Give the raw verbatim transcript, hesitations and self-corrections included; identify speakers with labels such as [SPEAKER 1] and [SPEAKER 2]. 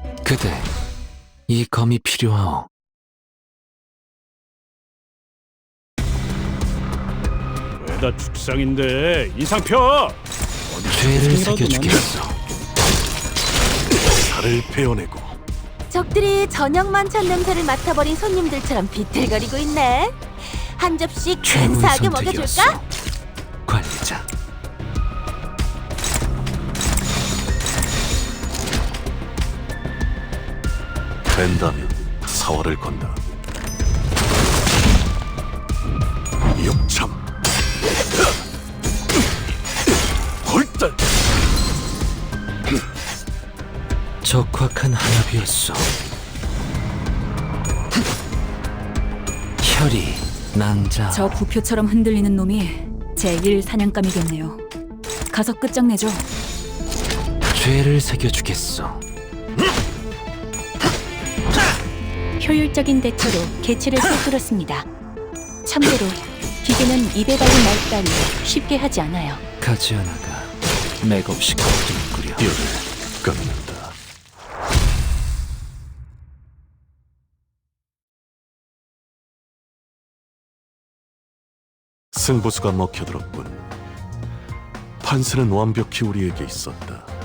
[SPEAKER 1] 그대, 이 검이 필요하오.
[SPEAKER 2] 왜다 축상인데 이상 펴!
[SPEAKER 1] 죄를
[SPEAKER 2] 생이라도
[SPEAKER 1] 새겨주겠소.
[SPEAKER 2] 살을 베어내고
[SPEAKER 3] 적들이 저녁 만찬 냄새를 맡아버린 손님들처럼 비틀거리고 있네. 한 접시
[SPEAKER 1] 최고의
[SPEAKER 3] 근사하게
[SPEAKER 1] 선택이었소.
[SPEAKER 3] 먹여줄까?
[SPEAKER 1] 관리자.
[SPEAKER 2] 된다면 사활을 건다. 욕참 헐떡
[SPEAKER 1] 적확한 한압이었소. 혈이 낭자.
[SPEAKER 4] 저 부표처럼 흔들리는 놈이 제일 사냥감이겠네요. 가서 끝장내죠.
[SPEAKER 1] 죄를 새겨주겠소.
[SPEAKER 4] 효율적인 대처로 개체를 꿰뚫었습니다. 참고로 기계는 입에 달린 말 따위 쉽게 하지 않아요.
[SPEAKER 1] 가지 않아가 맥없이 걱정꾸려.
[SPEAKER 2] 뼈를 깎는다. 승부수가 먹혀들었군. 판세는 완벽히 우리에게 있었다.